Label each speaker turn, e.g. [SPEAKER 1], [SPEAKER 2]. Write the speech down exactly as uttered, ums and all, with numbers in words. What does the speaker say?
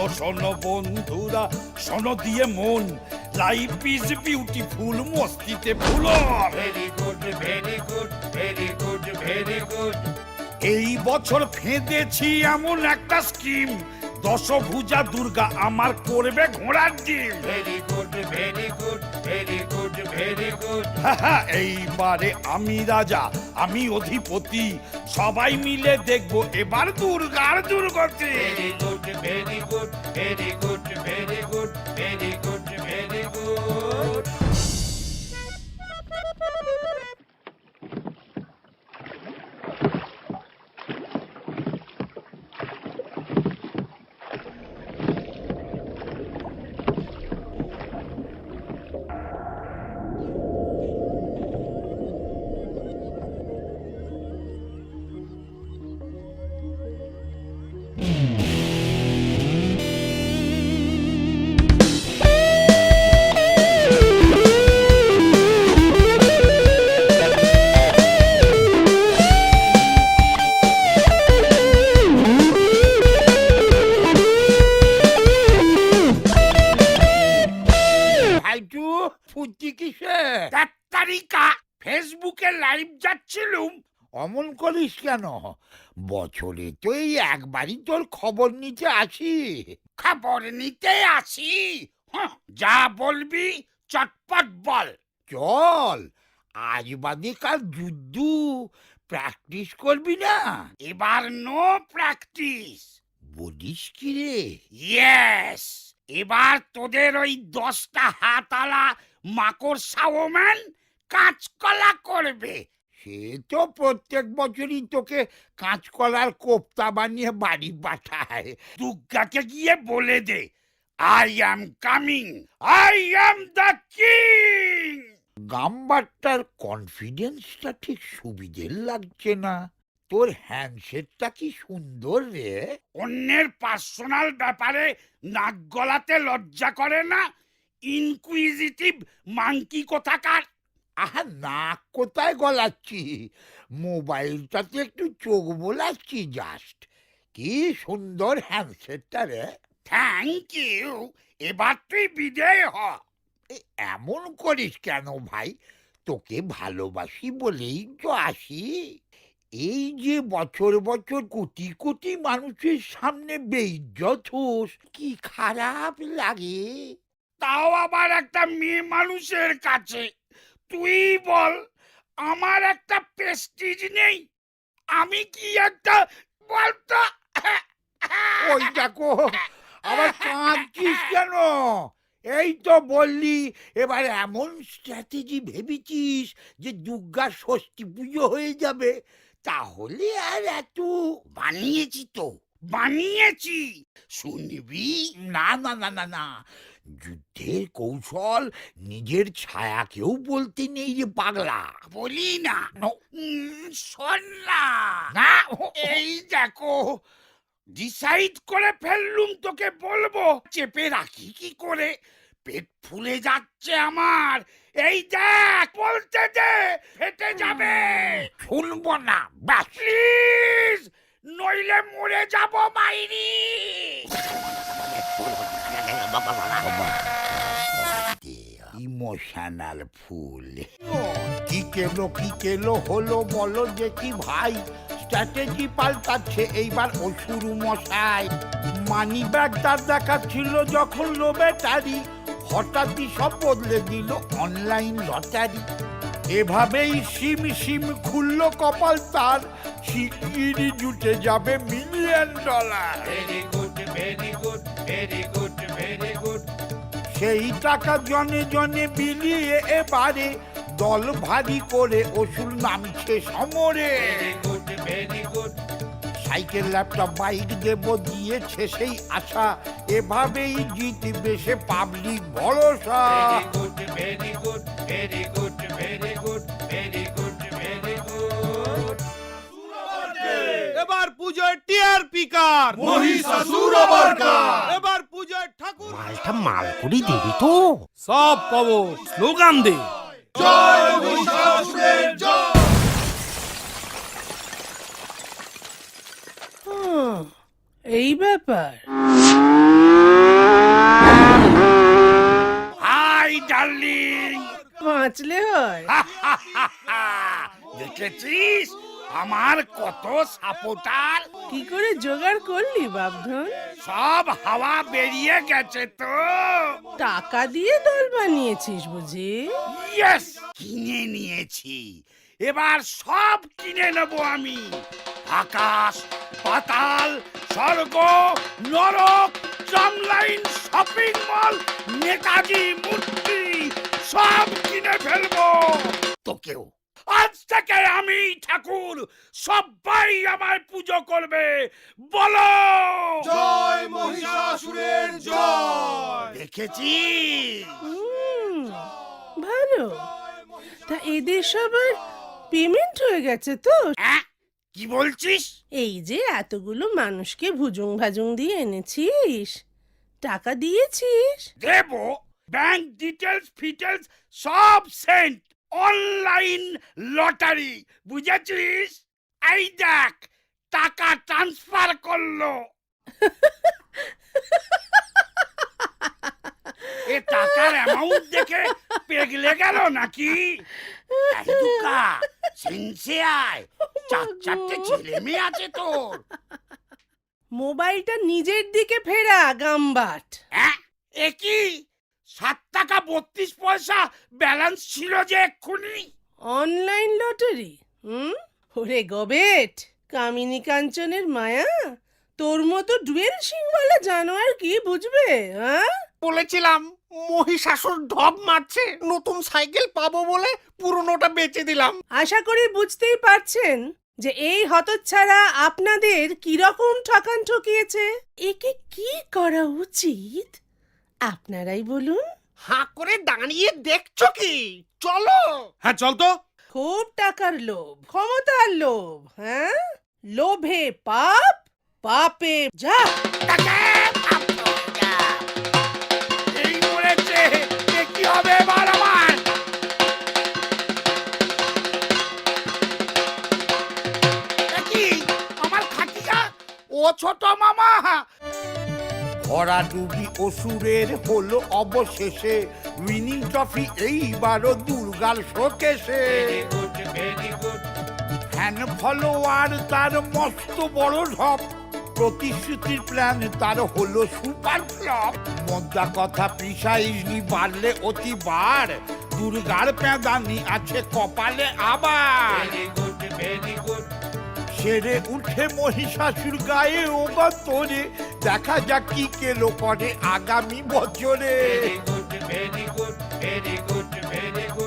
[SPEAKER 1] শোনো বন্ধুরা, শোনো দিয়ে মন, লাইফ ইজ বিউটিফুল, মস্তিতে ভুলো।
[SPEAKER 2] Very good very good very good very good.
[SPEAKER 1] এই বছর ফেঁদেছি এমন একটা স্কিম, দশভুজা দুর্গা আমার করবে ঘোড়ার ডিম।
[SPEAKER 2] Very good very good very good very good.
[SPEAKER 1] এইবারে আমি রাজা, আমি অধিপতি, সবাই মিলে দেখবো এবার দুর্গার দুর্গতি।
[SPEAKER 2] Very good very good very good very good very good very good.
[SPEAKER 1] ফেসবুকে লাইভ যাচ্ছিলুম।
[SPEAKER 3] অমন করিস কেন? বছরে তো এই একবারই তোর খবর নিতে আসি।
[SPEAKER 1] খবর নিতে আসি? হ্যাঁ, যা বলবি চটপট বল।
[SPEAKER 3] চল, আজ বাদে কাল যুদ্ধ, প্র্যাকটিস করবি না?
[SPEAKER 1] এবার নো প্র্যাকটিস।
[SPEAKER 3] বলিস কি রে?
[SPEAKER 1] ইয়েস, এবার তোদের ওই দশটা হাতালা মাকড়সা ওম্যান কাঁচকলা করবে।
[SPEAKER 3] সে তো প্রত্যেক বছরই তোকে কাঁচকলার কোপ্তা বানিয়ে বাড়ি পাঠায়।
[SPEAKER 1] দুর্গাকে গিয়ে বলে দে, I am coming, I am the king.
[SPEAKER 3] গাম্বারটার কনফিডেন্সটা ঠিক সুবিধের লাগছে না। তোর হ্যান্ডশেটটা কি সুন্দর রে।
[SPEAKER 1] অন্যের পার্সোনাল ব্যাপারে নাক গলাতে লজ্জা করে না? ইনকুইজিটিভ মাংকি কোথাকার।
[SPEAKER 3] আহা, নাক কোথায় গলাচ্ছি, মোবাইলটাতে একটু চোখ বোলাচ্ছি জাস্ট। কি সুন্দর হ্যান্ডসেটটা রে।
[SPEAKER 1] Thank you. এবার তুই বিদেয় হ।
[SPEAKER 3] এ, এমন করিস কেন ভাই? তোকে ভালোবাসি বলেই তো আসি। এই যে বছর বছর কোটি কোটি মানুষের সামনে বেইজ্জত হোস, কি খারাপ লাগে।
[SPEAKER 1] তাও আবার একটা মেয়ে মানুষের কাছে। তুই বল, আমার একটা প্রেস্টিজ নেই? আমি কি একটা বলতো?
[SPEAKER 3] ওই দেখো, আবার কাঁদছিস কেন? এই তো বললি এবার এমন স্ট্র্যাটেজি ভেবেছিস যে দুর্গার ষষ্ঠী পুজো হয়ে যাবে। তাহলে আর এত
[SPEAKER 1] বানিয়েছি তো, বানিয়েছি, শুনবি?
[SPEAKER 3] না না না না না, যুদ্ধের কৌশল নিজের ছায়াকেও বলতে নেই রে পাগলা।
[SPEAKER 1] বলি না।
[SPEAKER 3] নো।
[SPEAKER 1] উম, শোন না।
[SPEAKER 3] না,
[SPEAKER 1] এই দেখো, ডিসাইড করে ফেললুম, তোকে বলবো। চেপে রাখি কি করে, পেট ফুলে যাচ্ছে আমার। এই দেখ, বলতে দে, ফেটে যাবে।
[SPEAKER 3] শুনবো না, ব্যাস।
[SPEAKER 1] প্লিজ, নইলে মরে যাব মাইরি।
[SPEAKER 3] Emotional fool. কি কেলো কি কেলো হলো বলো দেখি ভাই। স্ট্র্যাটেজি পাল্টাচ্ছে এইবার অসুর মশাই। মানি ব্যাগটার দেখাচ্ছিল যখন লো ব্যাটারি, হঠাৎই সব বদলে দিল অনলাইন লটারি। এভাবেই সিম সিম খুললো কপাল তার, শিগগিরই জুটে যাবে million dollar.
[SPEAKER 2] Very good very good very good very good.
[SPEAKER 3] সেই টাকা জনে জনে বিলিয়ে এবারে দল ভারী করে অসুর নামছে সমরে।
[SPEAKER 2] Very good very good.
[SPEAKER 3] Cycle laptop bike দেব দিয়েছে সেই আশা, এভাবেই জিতবে সে পাবলিক ভরসা।
[SPEAKER 2] Very good very good very good very good very good very good.
[SPEAKER 4] এবার পুজোয় টিআরপি কার?
[SPEAKER 5] মহিষাসুর বরকার।
[SPEAKER 4] এবার পুজোয় ঠাকুর
[SPEAKER 6] মালটা মালপুরি দিবি তো?
[SPEAKER 4] সব পাবো, স্লোগান দে।
[SPEAKER 5] জয় মহিষাসুরের জয়।
[SPEAKER 7] এই ব্যাপার। বাঁচলে হয়।
[SPEAKER 1] দেখেছিস আমার কত সাপোর্টার,
[SPEAKER 7] কি করে জোগাড় করলি বাপধন?
[SPEAKER 1] সব হাওয়া বেরিয়ে গেছে তো।
[SPEAKER 7] টাকা দিয়ে দল বানিয়েছিস বুঝি?
[SPEAKER 1] ইয়েস, কিনে নিয়েছি, এবার সব কিনে নেব আমি। আকাশ পাতাল স্বর্গ নরক ট্রামলাইন শপিং মল নেতাজি মূর্তি সব কিনে ফেলবো। তোকেও আজ থেকে আমি ঠাকুর, সবাই আমায় পুজো করবে। বলো
[SPEAKER 5] জয় মহিষাসুরের জয়।
[SPEAKER 1] দেখেছিস?
[SPEAKER 7] হুম, ভালো। তা এদের সবার পেমেন্ট হয়ে গেছে তো?
[SPEAKER 1] হ্যাঁ, কি বলছিস?
[SPEAKER 7] এই যে এতগুলো মানুষকে ভুজুং ভাজুং দিয়ে এনেছিস, টাকা দিয়েছিস?
[SPEAKER 1] দেব, ব্যাংক ডিটেলস ফিটেলস সব সেন্ট, অনলাইন লটারি, বুঝেছিস? এই দেখ টাকা ট্রান্সফার করলো। এ টাকার অ্যামাউন্ট দেখে পেগলে গেল নাকি? এই দুকা, সেন্সে আয়, চার চারটে ছেলে মেয়ে আছে তোর।
[SPEAKER 7] মোবাইলটা নিজের দিকে ফেরা গামবাট।
[SPEAKER 1] হ্যাঁ, এ কি সাত টাকা বত্রিশ পয়সা ব্যালেন্স ছিল যে এক্ষুনি।
[SPEAKER 7] Online lottery? হুম, ওরে গবেট, কামিনী কাঞ্চনের মায়া তোর মতো ডুয়েল সিংওয়ালা জানোয়ার কি বুঝবে? হ্যাঁ,
[SPEAKER 6] বলেছিলাম মহিষাসুর ঢপ মারছে, নতুন সাইকেল পাবো বলে পুরনোটা বেচে দিলাম।
[SPEAKER 7] আশা করি বুঝতেই পারছেন যে এই হতচ্ছাড়া আপনাদের কিরকম ঠকান ঠকিয়েছে। একে কি করা উচিত আপনারাই বলুন।
[SPEAKER 6] হাঁ করে দাঁড়িয়ে দেখছো কি? চলো।
[SPEAKER 4] হ্যাঁ চল তো।
[SPEAKER 7] খুব টাকার লোভ, ক্ষমতার লোভ, হ্যাঁ, লোভে পাপ, পাপে যা।
[SPEAKER 1] টাকা, টাকা। এই মরেছে, এ কি হবে এবার আমার? এ কি, আমার খাটিয়া? ও ছোট মামা,
[SPEAKER 3] ভরাডুবি অসুরের হলো অবশেষে উইনিং ট্রফি এইবারও দুর্গার শোকেশে।
[SPEAKER 2] Very good very good
[SPEAKER 3] fan follower তার মস্ত বড় ঢপ, প্রতিশ্রুতির প্ল্যান তার হলো সুপার ফ্লপ। মদ্দা কথা প্রিসাইজলি বাড়লে অতিবার, দুর্গার প্যাদানি আছে কপালে আবার।
[SPEAKER 2] ভেরি গুড ভেরি গুড
[SPEAKER 3] সেরে উঠে মহিষাসুর গায়ে ওগতরে, দেখা যাক কি কেলো করে আগামী বছরে।
[SPEAKER 2] Very good very good very good very good